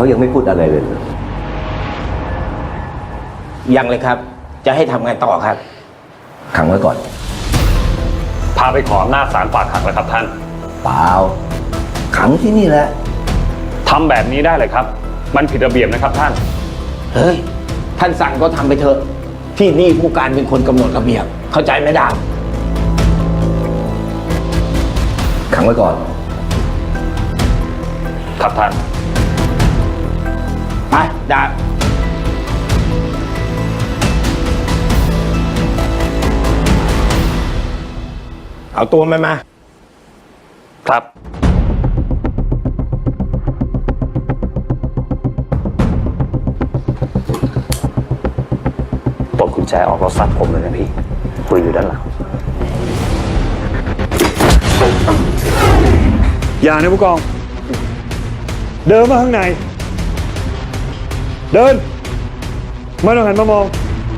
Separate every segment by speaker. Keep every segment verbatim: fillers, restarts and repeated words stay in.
Speaker 1: ยังไม่พูดอะไรเลย
Speaker 2: ยังเลยครับจะให้ทำไงต่อครับ
Speaker 1: ขังไว้ก่อน
Speaker 3: พาไปขออำนาจศาลฝากขังแล้วครับท่าน
Speaker 1: เปล่าขังที่นี่แหละ
Speaker 3: ทำแบบนี้ได้เลยครับมันผิดระเบียบนะครับท่าน
Speaker 2: เฮ้ยท่านสั่งก็ทำไปเถอะที่นี่ผู้การเป็นคนกำหนดระเบียบเข้าใจไหมดาบ
Speaker 1: ขังไว้ก่อน
Speaker 3: ครับท่าน
Speaker 2: ไปดาบเอาตัวมันมา
Speaker 3: ครับปลดกุญแจออกแล้วซัดผมเลยนะพี่ปืนอยู่ด้านหลัง
Speaker 4: อย่านะผู้กองเดินมาข้างในเดินไม่ต้องหันมามอง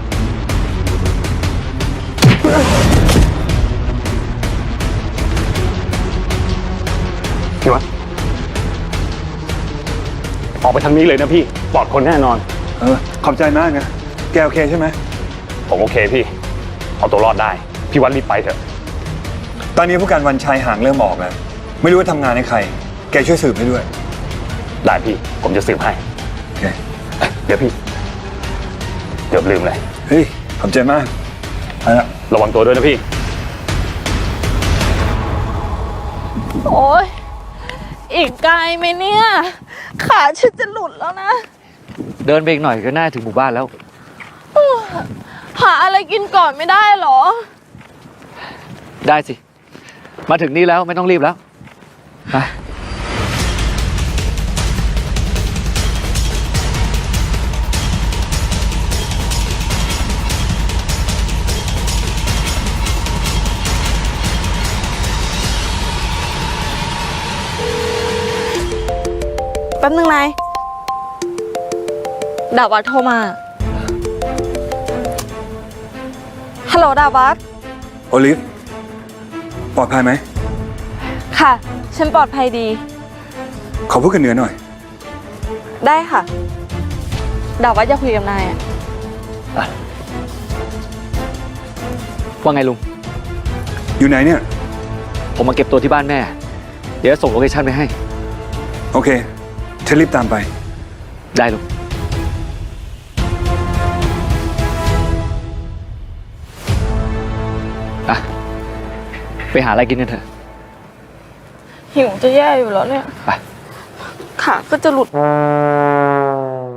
Speaker 3: พี่วะออกไปทางนี้เลยนะพี่ปลอดคนแน่นอน
Speaker 4: เออขอบใจมากนะแกโอเคใช่ไหม
Speaker 3: ผมโอเคพี่เอาตัวรอดได้พี่วันรีบไปเถอะ
Speaker 4: ตอนนี้ผู้การวันชัยห่างเริ่มออกแล้วไม่รู้ว่าทำงานให้ใครแกช่วยสืบให้ด้วย
Speaker 3: ได้พี่ผมจะสืบให้
Speaker 4: โอเค
Speaker 3: เดี๋ยวพี่เกือบลืมเลย
Speaker 4: เฮ้ยขอบใจมาก
Speaker 3: ระวังตัวด้วยนะพี่
Speaker 5: โอ้ยอีกไกลไหมเนี่ยขาฉันจะหลุดแล้วนะ
Speaker 6: เดินไปอีกหน่อยก็น่าถึงหมู่บ้านแล้ว
Speaker 5: หาอะไรกินก่อนไม่ได้หรอ
Speaker 6: ได้สิมาถึงนี่แล้วไม่ต้องรีบแล้วไป
Speaker 5: แป๊บนึงนายดาวัดโทรมาฮัลโหลดาวัด
Speaker 4: โอลิฟปลอดภัยไหม
Speaker 5: ค่ะฉันปลอดภัยดี
Speaker 4: ขอพูดกันเหนือหน่อย
Speaker 5: ได้ค่ะดาวัดจะคุยกับนายอ่ะ
Speaker 6: ว่าไงลุง
Speaker 4: อยู่ไหนเนี่ย
Speaker 6: ผมมาเก็บตัวที่บ้านแม่เดี๋ยวส่งโลเคชั่นไปให้
Speaker 4: โอเคฉันรีบตามไป
Speaker 6: ได้ลุงอ่ะไปหาอะไรกินกันเถอะ
Speaker 5: หิวจะแย่อยู่แล้วเนี่ย
Speaker 6: ไป
Speaker 5: ขาก็จะหลุด